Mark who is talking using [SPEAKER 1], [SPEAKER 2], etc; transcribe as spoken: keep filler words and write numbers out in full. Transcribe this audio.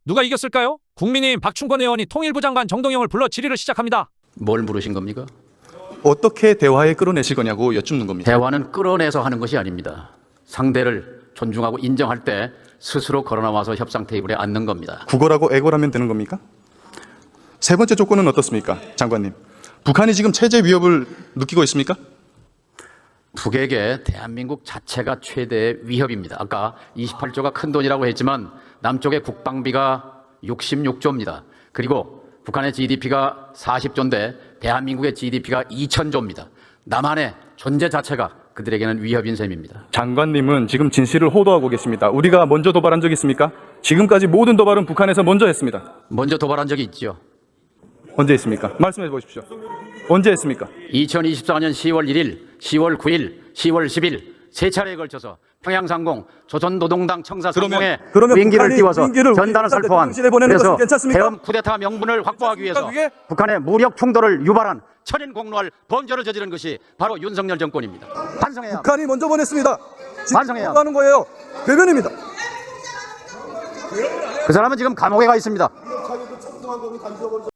[SPEAKER 1] 누가 이겼을까요? 국민의힘 박충권 의원이 통일부 장관 정동영을 불러 질의를 시작합니다.
[SPEAKER 2] 뭘 물으신 겁니까?
[SPEAKER 3] 어떻게 대화에 끌어내실 거냐고 여쭙는 겁니다.
[SPEAKER 2] 대화는 끌어내서 하는 것이 아닙니다. 상대를 존중하고 인정할 때 스스로 걸어나와서 협상 테이블에 앉는 겁니다.
[SPEAKER 3] 구걸하고 애걸하면 되는 겁니까? 세 번째 조건은 어떻습니까, 장관님? 북한이 지금 체제 위협을 느끼고 있습니까?
[SPEAKER 2] 북에게 대한민국 자체가 최대의 위협입니다. 아까 이십팔 조가 큰 돈이라고 했지만 남쪽의 국방비가 육십육 조입니다. 그리고 북한의 지디피가 사십 조인데 대한민국의 지디피가 이천 조입니다. 남한의 존재 자체가 그들에게는 위협인 셈입니다.
[SPEAKER 3] 장관님은 지금 진실을 호도하고 계십니다. 우리가 먼저 도발한 적 있습니까? 지금까지 모든 도발은 북한에서 먼저 했습니다.
[SPEAKER 2] 먼저 도발한 적이 있죠.
[SPEAKER 3] 언제 했습니까? 말씀해 보십시오. 언제 했습니까?
[SPEAKER 2] 이천이십사 년 시월 일일, 시월 구일, 시월 십일 세 차례에 걸쳐서 평양상공 조선노동당 청사상공에
[SPEAKER 3] 그러면
[SPEAKER 2] 비행기를
[SPEAKER 3] 북한이
[SPEAKER 2] 띄워서
[SPEAKER 3] 비행기를
[SPEAKER 2] 전단을 살포한,
[SPEAKER 3] 대통령실에 보내는
[SPEAKER 2] 그래서
[SPEAKER 3] 것은 괜찮습니까?
[SPEAKER 2] 대엄 쿠데타 명분을 확보하기 위해서
[SPEAKER 3] 그게?
[SPEAKER 2] 북한의 무력 충돌을 유발한 천인공노할 범죄를 저지른 것이 바로 윤석열 정권입니다. 반성해야 합니다.
[SPEAKER 3] 북한이 먼저 보냈습니다.
[SPEAKER 2] 반성해야
[SPEAKER 3] 지금 하는 거예요. 괴변입니다.
[SPEAKER 2] 그 사람은 지금 감옥에 가 있습니다.